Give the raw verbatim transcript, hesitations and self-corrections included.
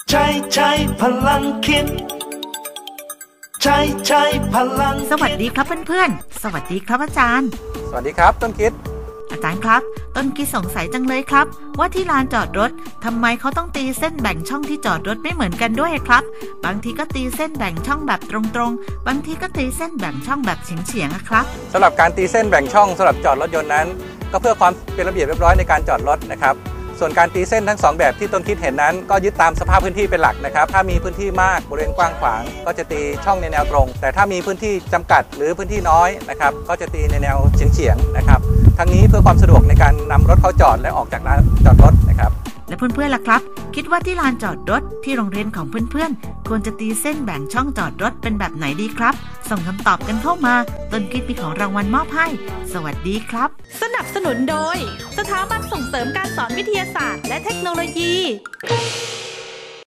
ใช้ใช้พลังคิดใช้ใช้พลังสวัสดีครับเพื่อนๆสวัสดีครับอาจารย์สวัสดีครับต้นคิดอาจารย์ครับต้นคิดสงสัยจังเลยครับว่าที่ลานจอดรถทำไมเขาต้องตีเส้นแบ่งช่องที่จอดรถไม่เหมือนกันด้วยครับบางทีก็ตีเส้นแบ่งช่องแบบตรงๆบางทีก็ตีเส้นแบ่งช่องแบบเฉียงๆครับสำหรับการตีเส้นแบ่งช่องสำหรับจอดรถยนต์นั้นก็เพื่อความเป็นระเบียบเรียบร้อยในการจอดรถนะครับส่วนการตีเส้นทั้งสองแบบที่ต้นคิดเห็นนั้นก็ยึดตามสภาพพื้นที่เป็นหลักนะครับถ้ามีพื้นที่มากบริเวณกว้างขวางก็จะตีช่องในแนวตรงแต่ถ้ามีพื้นที่จำกัดหรือพื้นที่น้อยนะครับก็จะตีในแนวเฉียงๆนะครับทั้งนี้เพื่อความสะดวกในการนำรถเข้าจอดและออกจากลานจอดรถนะครับและเพื่อนๆล่ะครับคิดว่าที่ลานจอดรถที่โรงเรียนของเพื่อนๆควรจะตีเส้นแบ่งช่องจอดรถเป็นแบบไหนดีครับส่งคำตอบกันเข้ามาต้นคิดมีของรางวัลมอบให้สวัสดีครับสนับสนุนโดยสถาบันส่งเสริมการสอนวิทยาศาสตร์และเทคโนโลยี